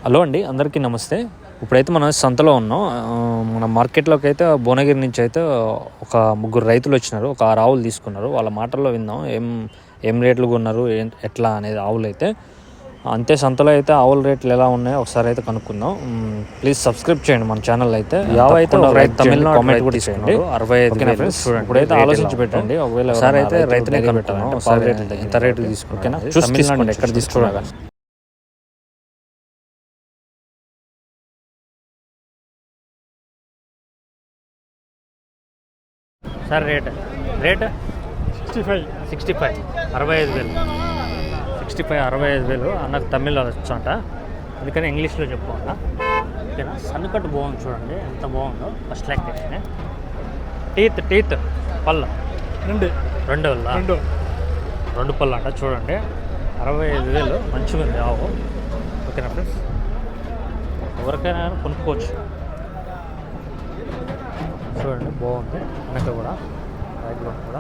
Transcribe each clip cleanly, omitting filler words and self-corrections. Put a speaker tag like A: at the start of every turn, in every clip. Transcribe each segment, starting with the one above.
A: Hello అండి, అందరికీ నమస్తే. ఇప్పుడైతే మనం సంతలో ఉన్నాం. మన మార్కెట్లోకి అయితే భువనగిరి నుంచి అయితే ఒక ముగ్గురు రైతులు వచ్చినారు. ఒక 6 ఆవులు తీసుకున్నారు. వాళ్ళ మాటల్లో విందాం ఏం రేట్లు కొన్నారు, ఎట్లా అనేది ఆవులు అయితే. అంతే సంతలో అయితే ఆవుల రేట్లు ఎలా ఉన్నాయో ఒకసారి అయితే కనుక్కుందాం. ప్లీజ్ సబ్స్క్రైబ్ చేయండి మన ఛానల్ అయితే. యావ అయితే తమిళనాడు కామెంట్ కూడా తీసుకోండి. 65 ఫ్రెండ్స్. ఇప్పుడైతే ఆలోచించి పెట్టండి. ఒకవేళ ఒకసారి అయితే రైతునే కనుక్కుందాం. ఎంత రేటు తీసుకుంటా తమిళనాడు ఎక్కడ తీసుకున్నా. సార్ రేట్ 65 65,000 65,000 అన్నకు తమిళ్లో వచ్చంట, అందుకని ఇంగ్లీష్లో చెప్పుకోండి. ఓకేనా. సన్నుకట్టు బాగుంది చూడండి, ఎంత బాగుందో. First lactation. టీత్ పళ్ళ రెండు పళ్ళు అంట చూడండి. 65,000 మంచిగా ఉంది ఆవు. ఓకేనా ఫ్రెండ్స్, ఎవరికైనా కొనుక్కోవచ్చు. చూడండి బాగుంది. వెనక కూడా బ్యాక్గ్రౌండ్ కూడా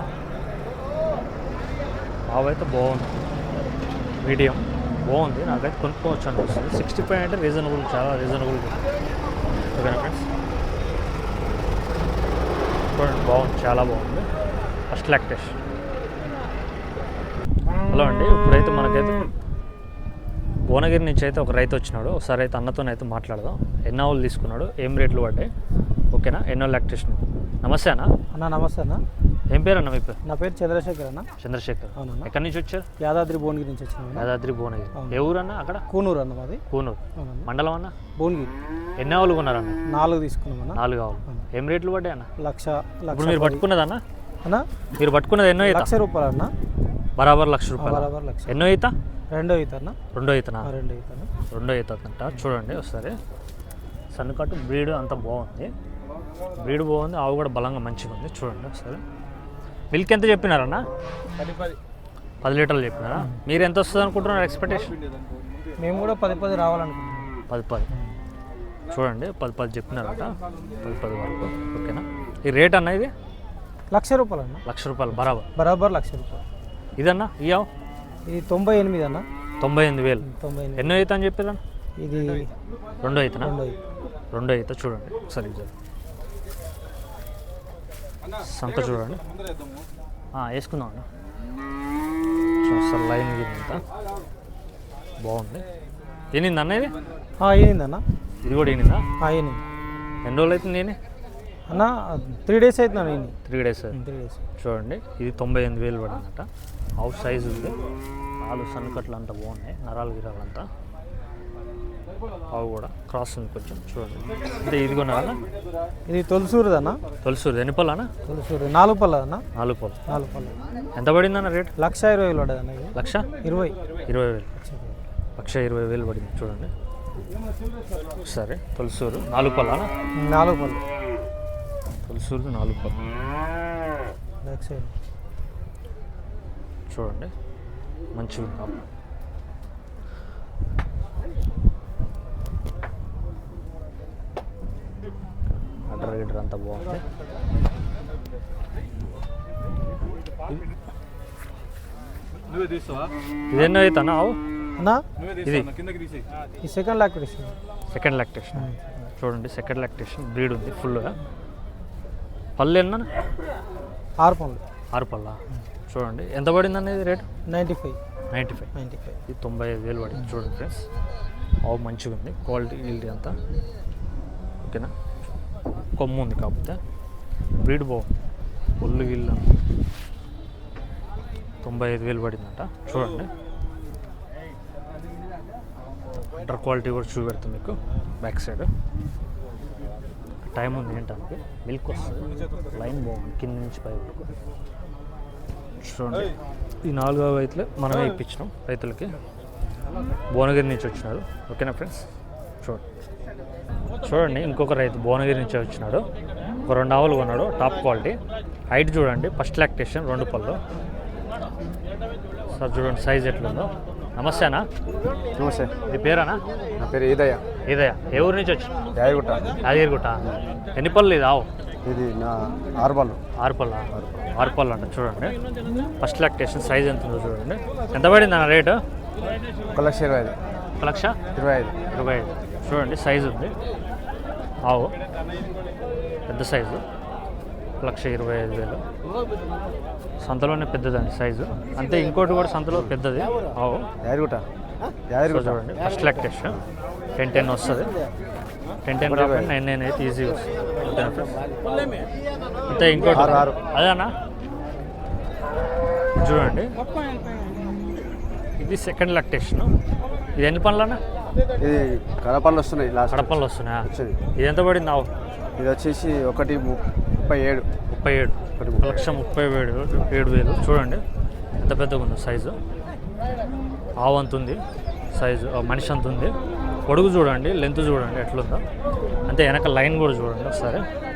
A: ఆవు అయితే బాగుంది, మీడియం బాగుంది. నాకైతే కొనుక్కోవచ్చు అనిపిస్తుంది. 65 అంటే రీజనబుల్, చాలా రీజనబుల్. ఓకేనా ఫ్రెండ్స్, చూడండి బాగుంది, చాలా బాగుంది. First lactation. హలో అండి, ఇప్పుడైతే మనకైతే భువనగిరి నుంచి అయితే ఒక రైతు వచ్చినాడు. ఒకసారి అయితే అన్నతోనైతే మాట్లాడదాం. ఎన్ని ఆవులు తీసుకున్నాడు, ఏం రేట్లు పడ్డాయి, ఓకేనా, ఎన్నో లాక్టేషన్. నమస్తే అన్న.
B: నమస్తే అన్న.
A: ఏం పేరు అన్న మీ పేరు?
B: నా పేరు చంద్రశేఖర్ అన్న.
A: చంద్రశేఖర్.
B: అవునన్నా.
A: ఎక్కడి నుంచి వచ్చారు?
B: యాదాద్రి భువనగిరి నుంచి వచ్చాను.
A: యాదాద్రి భువనగిరి. ఏ ఊరు అన్న? అక్కడ
B: కూనూరు అన్న మాది.
A: కూనూరు మండలం అన్న.
B: భువనగిరి.
A: ఎన్ని ఆవులు కొన్నారన్న?
B: 4 తీసుకున్నామన్నా.
A: 4 ఆవులు. ఏం రేట్లు పడ్డాయి అన్న?
B: లక్ష.
A: ఇప్పుడు మీరు పట్టుకున్నది అన్న?
B: అన్న
A: మీరు పట్టుకున్నది ఎన్నో ఈత?
B: ₹1,00,000 అన్న.
A: బరాబర్ ₹1,00,000.
B: బరాబర్ 1,00,000.
A: ఎన్నో ఈత?
B: రెండో ఈత అన్న.
A: రెండో ఈతనా?
B: రెండో
A: ఈత అంట. చూడండి ఒకసారి. సన్నుకట్టు బ్రీడ్ అంతా బాగుంది, బ్రీడ్ బాగుంది. ఆవు కూడా బలంగా మంచిగా ఉంది. చూడండి ఒకసారి. మిల్క్ ఎంత చెప్పినారన్న? 10 లీటర్లు చెప్పినారా? మీరు ఎంత వస్తుంది అనుకుంటున్నారు ఎక్స్పెక్టేషన్?
B: మేము కూడా 10 రావాలనుకుంటున్నాం.
A: 10 చూడండి. 10 చెప్పినారట, 10 వరకు. ఓకేనా. ఈ రేట్ అన్న ఇది?
B: ₹1,00,000 అన్న.
A: ₹1,00,000 బరాబర్.
B: ₹1,00,000.
A: ఇదన్నా ఈ ఆవు?
B: ఇది 98 అన్న.
A: 98,000. ఎన్నో ఈత అని చెప్పారన్న?
B: ఇది
A: రెండో ఈతనా? రెండో ఈత. చూడండి ఒకసారి సంత చూడండి. వేసుకుందాం అన్న. సార్ లైన్ ఇంత బాగుంది. ఏనింది అన్న ఇది?
B: ఏనిందన్న.
A: ఇది కూడా ఏనిందా?
B: ఏనింది.
A: ఎన్ని రోజులు అవుతుంది ఏని
B: అన్న? 3 డేస్ అవుతుంది.
A: 3 డేస్. చూడండి, ఇది 98,000 పడిందట. ఆవు సైజు ఉంది. నాలుగు సన్నకట్లు అంతా బాగున్నాయి, నరాలు గిరాలు అంతా. ఆవు కూడా క్రాస్ ఉంది కొంచెం. చూడండి. అంటే ఇది కొన్నారన్న?
B: ఇది తొలసూరుది అన్న.
A: తొలసూరు. ఎన్ని పళ్ళు అన్న?
B: తొలసూరు 4 పళ్ళు అన్న.
A: 4 పళ్ళు.
B: 4 పళ్ళు.
A: ఎంత పడిందన్న రేట్?
B: ₹1,20,000 పడదన్న. ఇది
A: 1,20,000. 1,20,000 పడింది. చూడండి సరే. తొలసూరు 4 పళ్ళు అన్న?
B: 4 పళ్ళు.
A: తొలసూరు 4 పళ్ళు. చూడండి మంచిగా ఉంది. అడ్డర్ గిడ్డర్ అంతా బాగుంది. ఇది ఎన్నో అవుతా ఆవు
B: అన్నా?
A: ఇది
B: సెకండ్ లాక్టేషన్.
A: చూడండి, సెకండ్ లాక్టేషన్. బ్రీడ్ ఉంది ఫుల్గా. పళ్ళు ఎన్న?
B: 6 పళ్ళు.
A: 6 పళ్ళా? చూడండి. ఎంత పడింది అనేది రేటు?
B: 95.
A: ఇది 95,000 పడింది. చూడండి ఫ్రెండ్స్, ఆవు మంచిగా ఉంది. క్వాలిటీ అంతా ఓకేనా. కొమ్ము ఉంది కాకపోతే, బ్రీడ్ బాగుంది. ఒళ్ళు గిల్లు 95,000 పడిందట. చూడండి. అండర్ క్వాలిటీ కూడా చూపెడుతుంది మీకు బ్యాక్ సైడ్. టైం ఉంది ఏంటంటే మిల్క్ వస్తుంది. లైన్ బాగుంది కింద నుంచి పై వరకు. చూడండి, ఈ 4 రైతులు మనమే ఇప్పించినాం రైతులకి. భువనగిరి నుంచి వచ్చినారు. ఓకేనా ఫ్రెండ్స్. చూడండి ఇంకొక రైతు భువనగిరి నుంచి వచ్చినాడు. ఒక 2 ఆవులు కొన్నాడు, టాప్ క్వాలిటీ. హైట్ చూడండి, ఫస్ట్ లాక్టేషన్, 2 పళ్ళు. సార్ చూడండి సైజ్ ఎట్లుందో. నమస్తే అన్న.
C: నమస్తే.
A: మీ పేరేనా?
C: నా పేరు ఈదయ్య.
A: ఏ ఊరు నుంచి వచ్చి? యాదగిరిగుట్ట. ఎన్ని పళ్ళు ఇది ఆవు?
C: ఇది నా 6 పళ్ళు.
A: 6 పళ్ళు అంట. చూడండి ఫస్ట్ లాక్టేషన్. సైజ్ ఎంత ఉందో చూడండి. ఎంత పడింది అన్న రేటు?
C: 1,20,000.
A: 1,25,000 చూడండి సైజు ఉంది ఆవు పెద్ద సైజు 1,25,000 సంతలోనే పెద్దదండి సైజు అంతే ఇంకోటి కూడా సంతలో పెద్దది ఆవు
C: యాదగిరిగుట్ట
A: చూడండి ఫస్ట్ లాక్టేషన్ 10 వస్తుంది 10 కాబట్టి 9 అయితే ఈజీగా వస్తుంది అంతే ఇంకోటి అదేనా చూడండి ఇది సెకండ్ లాక్టేషన్ ఇది ఎన్ని పనులన్నా
C: ఇది కడపళ్ళు వస్తున్నాయి లాస్ట్
A: కడపళ్ళు వస్తున్నాయా
C: వచ్చింది
A: ఇది ఎంత పడింది ఆవు
C: ఇది వచ్చేసి 1,37
A: 1,37,000 చూడండి ఎంత పెద్దగా ఉందో సైజు ఆవు అంత ఉంది సైజు మనిషి అంత ఉంది పొడుగు చూడండి లెంత్ చూడండి ఎట్లుందో అంతే వెనక లైన్ కూడా చూడండి ఒకసారి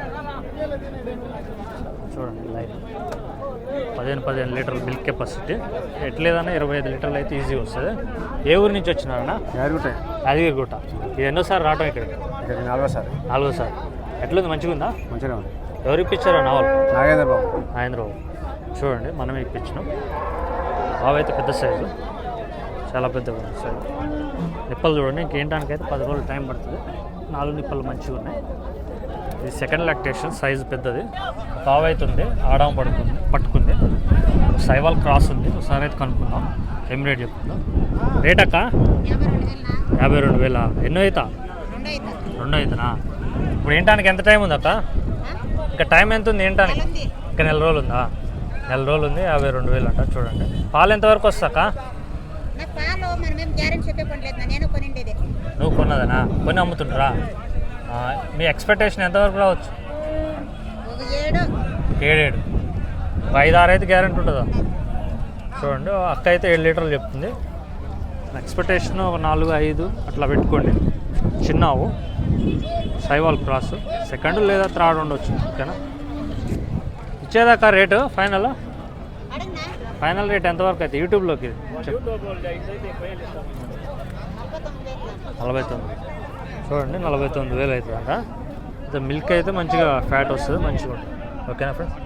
A: చూడండి లైన్ 15 లీటర్ల మిల్క్ కెపాసిటీ ఎట్లేదన్నా 25 లీటర్లు అయితే ఈజీ వస్తుంది ఏ ఊరి నుంచి వచ్చినారన్నా యాదగిరిగుట్ట ఇది ఎన్నోసారి రావటం ఇక్కడ 4సారి ఎట్లుంది మంచిగా ఉందా
C: మంచిగా ఉంది
A: ఎవరు ఇప్పించారో నావల్
C: నాగేంద్రబాబు
A: చూడండి మనమే ఇప్పించినాం ఆవు అయితే పెద్ద సైజు చాలా పెద్దగా ఉంది సైజు నిప్పలు చూడండి ఇంకేంటానికైతే 10 రోజులు టైం పడుతుంది 4 నిప్పలు మంచిగా ఉన్నాయి ఇది సెకండ్ లాక్టేషన్ సైజు పెద్దది ఆవు అయితే ఉంది ఆడాం పట్టుకుంది సైవాల్ క్రాస్ ఉంది ఒకసారి అయితే కనుక్కుందాం ఏం రేట్ చెప్తుందాం రేట్ అక్క 52,000 ఎన్నో అవుతా 2 అవుతానా ఇప్పుడు ఏంటానికి ఎంత టైం ఉంది అక్క ఇంకా టైం ఎంత ఉంది ఏంటానికి ఇంకా 4 రోజులు ఉందా 4 రోజులు ఉంది 52,000 అంట చూడండి పాలు ఎంతవరకు వస్తాక నువ్వు కొన్నదనా కొని అమ్ముతుంటారా మీ ఎక్స్పెక్టేషన్ ఎంతవరకు రావచ్చు 7 ఒక 5-6 అయితే గ్యారెంటీ ఉంటుందా చూడండి అక్క అయితే 7 లీటర్లు చెప్తుంది ఎక్స్పెక్టేషన్ ఒక 4-5 అట్లా పెట్టుకోండి చిన్నావు సైవాల్ క్రాస్ సెకండ్ లేదా థర్డ్ ఉండొచ్చు ఓకేనా ఇచ్చేదాకా రేటు ఫైనల్ రేట్ ఎంతవరకు అయితే యూట్యూబ్లోకి 49 చూడండి 49,000 అవుతుంది అంట అయితే మిల్క్ అయితే మంచిగా ఫ్యాట్ వస్తుంది మంచిగా ఉంటుంది ఓకేనా ఫ్రెండ్స్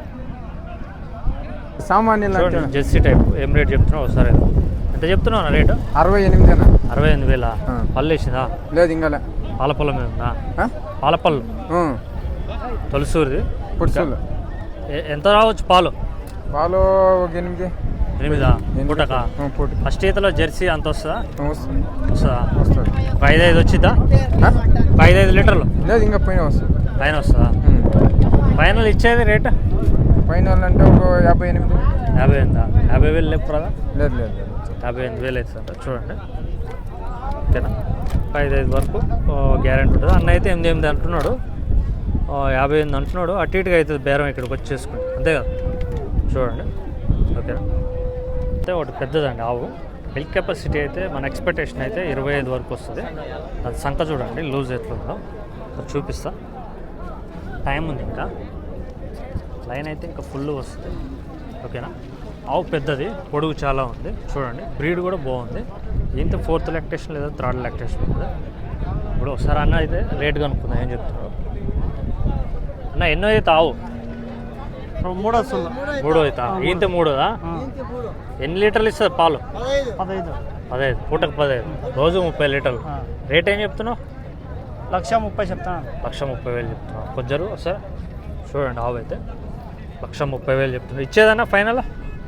C: సామాన్య
A: జెర్సీ టైప్ ఏం రేట్ చెప్తున్నావు ఒకసారి ఎంత చెప్తున్నావు రేటు
C: 68,000
A: పళ్ళు వేసిందా
C: లేదు ఇంకా
A: పాలపల్ల మీద ఉందా పాలపళ్ళు తొలసూరిది ఎంత రావచ్చు పాలు
C: ఒక 8
A: పూటక ఫస్ట్ ఈతలో జెర్సీ అంత వస్తుందా
C: వస్తుంది
A: ఒక 5-5 వచ్చిద్దా 5-5 లీటర్లు
C: లేదు ఇంకా పైన
A: వస్తుందా ఫైనల్ ఇచ్చేది రేట్
C: ఫైనల్ అంటే ఒక 58
A: ఉందా 50,000 లేపు కదా
C: లేదు
A: 58,000 అవుతుందంట చూడండి ఓకేనా 5-5 వరకు గ్యారెంటీ ఉంటుంది అన్న అయితే 8 అంటున్నాడు 58 అంటున్నాడు అటు ఇటుగా అవుతుంది బేరం ఇక్కడికి వచ్చి చేసుకుని అంతే కదా చూడండి ఓకేనా అయితే ఒకటి పెద్దదండి ఆవు మిల్క్ కెపాసిటీ అయితే మన ఎక్స్పెక్టేషన్ అయితే 25 వరకు వస్తుంది అది సంఖ చూడండి లూజ్ ఎట్లుందో చూపిస్తా టైం ఉంది ఇంకా లైన్ అయితే ఇంకా ఫుల్ వస్తుంది ఓకేనా ఆవు పెద్దది పొడుగు చాలా ఉంది చూడండి బ్రీడ్ కూడా బాగుంది ఇంత 4th లాక్టేషన్ లేదా 3rd లాక్టేషన్ ఉంది ఇప్పుడు ఒకసారి అన్న అయితే రేట్ కనుక్కుందాం ఏం చెప్తున్నారు అన్న ఎన్నో అయితే ఆవు
B: 3 వస్తుంది
A: 3 అవుతా ఇంత 3దా ఎన్ని లీటర్లు ఇస్తుంది పాలు 15 పూటకు 15 రోజు 30 లీటర్లు రేట్ ఏం చెప్తున్నావు
B: 1,30,000 చెప్తాను
A: 1,30,000 చెప్తున్నావు కొంచెం ఒకసారి చూడండి ఆవు అయితే 1,30,000 చెప్తున్నావు ఇచ్చేదన్నా ఫైనల్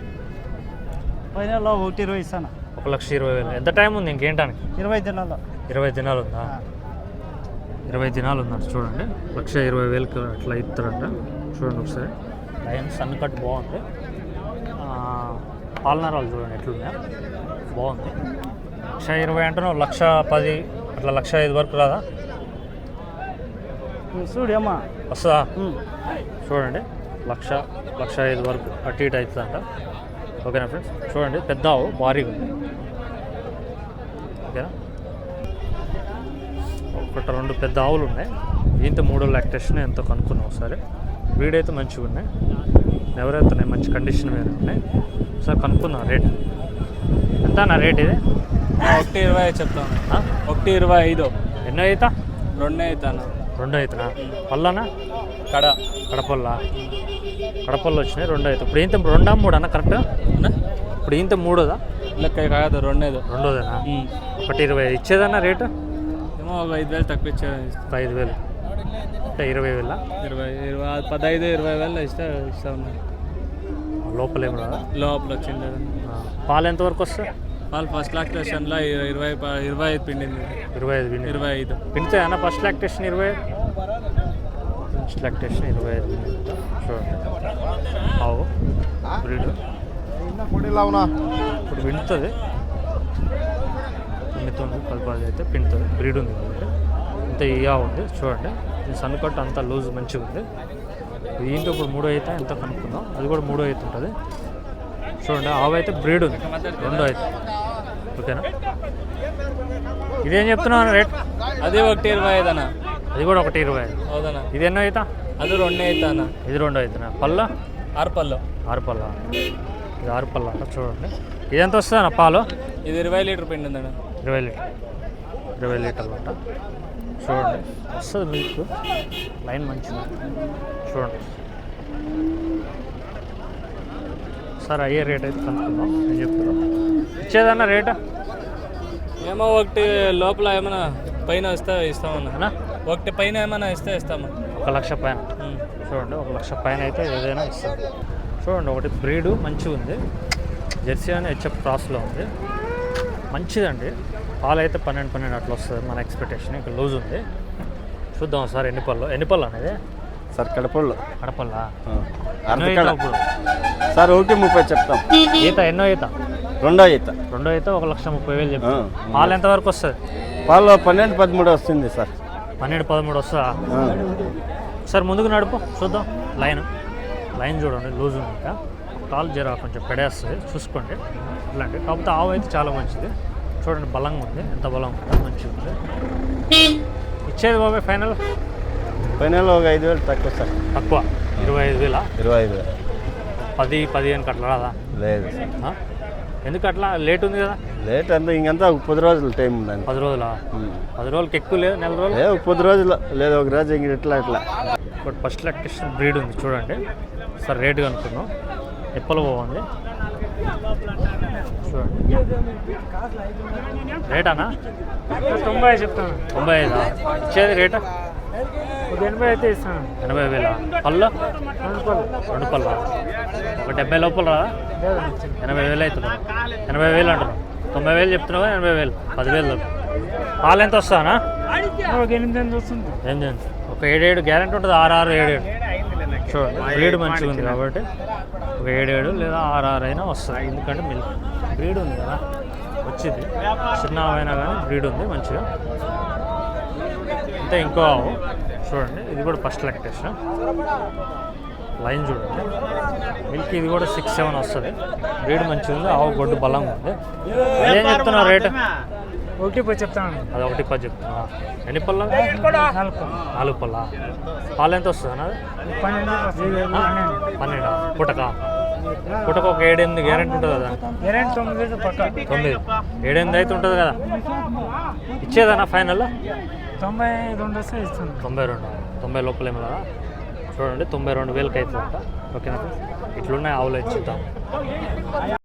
B: 1,20,000 ఇస్తాను
A: 1,20,000 ఎంత టైం ఉంది ఇంకేంటానికి
B: 20 దినాలు
A: 20 దినాలు ఉందా 20 దినాలు ఉందంట చూడండి 1,20,000 అట్లా ఇస్తారంట చూడండి ఒకసారి లైన్ సన్ కట్ బాగుంది పాలనరాలు చూడండి ఎట్లున్నాయా బాగుంది 1,20,000 అంటున్నావు 1,10,000 అట్లా 1,05,000 వరకు రాదా
B: చూడమ్మా
A: వస్తుందా చూడండి 1,05,000 వరకు అటు ఇటు అవుతుందంట ఓకేనా ఫ్రెండ్స్ చూడండి పెద్ద ఆవు భారీగా ఉంది ఓకేనా ఒకటి 2 పెద్ద ఆవులు ఉన్నాయి ఇంత 3 లాక్టేషన్ ఎంతో కనుక్కున్నాం ఒకసారి బ్రీడ్ అయితే మంచిగా ఉన్నాయి ఎవరైతే ఉన్నాయి మంచి కండిషన్ మీద ఉన్నాయి ఒకసారి కనుక్కుందాం రేట్ ఎంత నా రేట్ ఇది
B: 1,20,000 చెప్తాను 1,25,000
A: ఎన్నో అవుతా
B: 2 అవుతాను
A: 2 అవుతున్నా పళ్ళనా కడపల్లో వచ్చినాయి 2 అవుతాయి ఇప్పుడు ఇంత 2 3 అన్న కరెక్ట్ ఇప్పుడు ఇంత 3దా
B: లెక్క కాదు 2
A: 2దేనా 1,20 ఇచ్చేదన్న రేటు
B: ఏమో ఒక 5,000 తక్కువ ఇచ్చేది
A: 5,000 అంటే 20,000
B: 15-20 వేలు ఇస్తా ఉన్నాయి
A: లోపల ఏం రాదా
B: లోపల వచ్చింది
A: పాలు ఎంతవరకు వస్తాయి
B: వాళ్ళు ఫస్ట్ లాక్టేషన్లో 25 పిండింది
A: 25
B: 25
A: పిండితే అన్న ఫస్ట్ లాక్టేషన్ 20 ఫస్ట్ లాక్టేషన్ 25 చూడండి ఆవు బ్రీడ్ ఇప్పుడు పిండుతుంది పిండుతుంది కలపాలి అయితే పిండుతుంది బ్రీడ్ ఉంది కాబట్టి ఇంత ఇయా ఉంది చూడండి దీని సన్నుకట్టు అంతా లూజ్ మంచిగా ఉంది దీంట్లో ఇప్పుడు 3 అయితే ఎంత కనుక్కుందాం అది కూడా 3 అయితే ఉంటుంది చూడండి ఆవు అయితే బ్రీడ్ ఉంది 2 అయితే ఓకేనా ఇదేం చెప్తున్నావు రేట్
B: అది 1,25 అన్న
A: అది కూడా 1,25
B: అవుదన్నా
A: ఇది ఎన్నో అవుతా
B: అది 2 అవుతా అన్న
A: ఇది 2 అవుతున్నా పళ్ళ
B: 6 పళ్ళు
A: 6 పళ్ళ ఇది 6 పళ్ళ అంట చూడండి ఇది ఎంత వస్తుంది అన్న పాలు
B: ఇది 20 లీటర్ పిండి ఉందన్న
A: 20 లీటర్లు అంట చూడండి వస్తుంది మిల్క్ లైన్ మంచిగా చూడండి సార్ అయ్యే రేట్ అయితే కనుక్కుందాం నేను చెప్తాను ఇచ్చేదన్న రేటు
B: ఏమో ఒకటి లోపల ఏమైనా పైన వస్తే ఇస్తామన్నా ఒకటి పైన ఏమైనా ఇస్తాము
A: 1,00,000 పైన చూడండి 1,00,000 పైన అయితే ఏదైనా ఇస్తాం చూడండి ఒకటి బ్రీడు మంచిగా ఉంది జెర్సీ అని హెచ్ఎఫ్ క్రాస్లో ఉంది మంచిదండి పాలు అయితే 12 అట్లా వస్తుంది మన ఎక్స్పెక్టేషన్ ఇంకా లూజ్ ఉంది చూద్దాం సార్ ఎన్ని పళ్ళు అనేది
D: సార్ కడపల్లో
A: కడపల్లా
D: ఇప్పుడు సార్ 1,30 చెప్తాం
A: ఈత ఎన్నో ఈత
D: రెండో ఈత
A: 2 అయితే 1,30,000 చెప్తాం పాలు ఎంతవరకు వస్తుంది
D: పాలు 12-13 వస్తుంది సార్
A: 12-13 వస్తుందా సార్ ముందుకు నడుపు చూద్దాం లైన్ చూడండి లూజ్ ఉంది ఇంకా కాలు జర కొంచెం పెడేస్తుంది చూసుకోండి ఇట్లాంటి కాకపోతే ఆవు అయితే చాలా మంచిది చూడండి బలంగా ఉంది ఎంత బలం ఉంటుందో మంచిగా ఉంది ఇచ్చేది బాబాయ్ ఫైనల్
D: ఒక 5,000 తక్కువ సార్
A: తక్కువ 25,000
D: 25,000
A: 10-15 అట్లా రాదా
D: లేదు
A: ఆ? ఎందుకు అట్లా లేట్ ఉంది కదా
D: లేట్ అంతా ఇంకంతా 10 రోజులు టైం ఉందండి
A: 10 రోజులా 10 రోజులకి ఎక్కువ లేదు నెల రోజులు
D: లేదు 10 రోజులు లేదు ఒక రోజు ఇంక ఇట్లా
A: బట్ ఫస్ట్ లాక్టేషన్ బ్రీడ్ ఉంది చూడండి సార్ రేట్ కనుక్కున్నాం ఎప్పలు బాగుంది చూడండి రేటానా
B: 90 చెప్తాను
A: 95 ఇచ్చేది రేటా
B: 80 అయితే ఇస్తాను
A: 80,000 పళ్ళు 2 పళ్ళ ఒక 70 లోపల రా 80,000 అవుతుంది 80,000 అంటున్నావు 90,000 చెప్తున్నావు 80,000 10,000 పాలు ఎంత వస్తానా
B: 8 వస్తుంది
A: 8 ఒక 7 గ్యారెంటీ ఉంటుంది 6 7 చూడండి బ్రీడ్ మంచిగా ఉంది కాబట్టి ఒక 7 లేదా 6 అయినా వస్తుంది ఎందుకంటే మిల్క్ బ్రీడ్ ఉంది కదా వచ్చింది చిన్న అయినా కానీ బ్రీడ్ ఉంది మంచిగా అంటే ఇంకో ఆవు చూడండి ఇది కూడా ఫస్ట్ లాక్టేషన్ లైన్ చూడండి మిల్క్ ఇది కూడా 6-7 వస్తుంది బ్రీడ్ మంచిగా ఉంది ఆవు గొడ్డు బలంగా ఉంది ఏం చెప్తున్నావు రేటు
B: 1,10 చెప్తాను
A: అది 1,10 చెప్తున్నా ఎన్ని పళ్ళ 4 పళ్ళ పాలు ఎంత వస్తుంది అన్నది 12 పుటక ఒక 7-8 గ్యారెంటీ ఉంటుంది కదా
B: 9 పక్క
A: 9 7-8 అయితే ఉంటుంది కదా ఇచ్చేదన్నా ఫైనల్
B: 92 వస్తే ఇస్తాను
A: 90 లోపల ఏమి కదా చూడండి 92,000 అవుతుందంట ఓకేనా ఇట్లున్నాయి ఆవులు ఇచ్చిద్దాం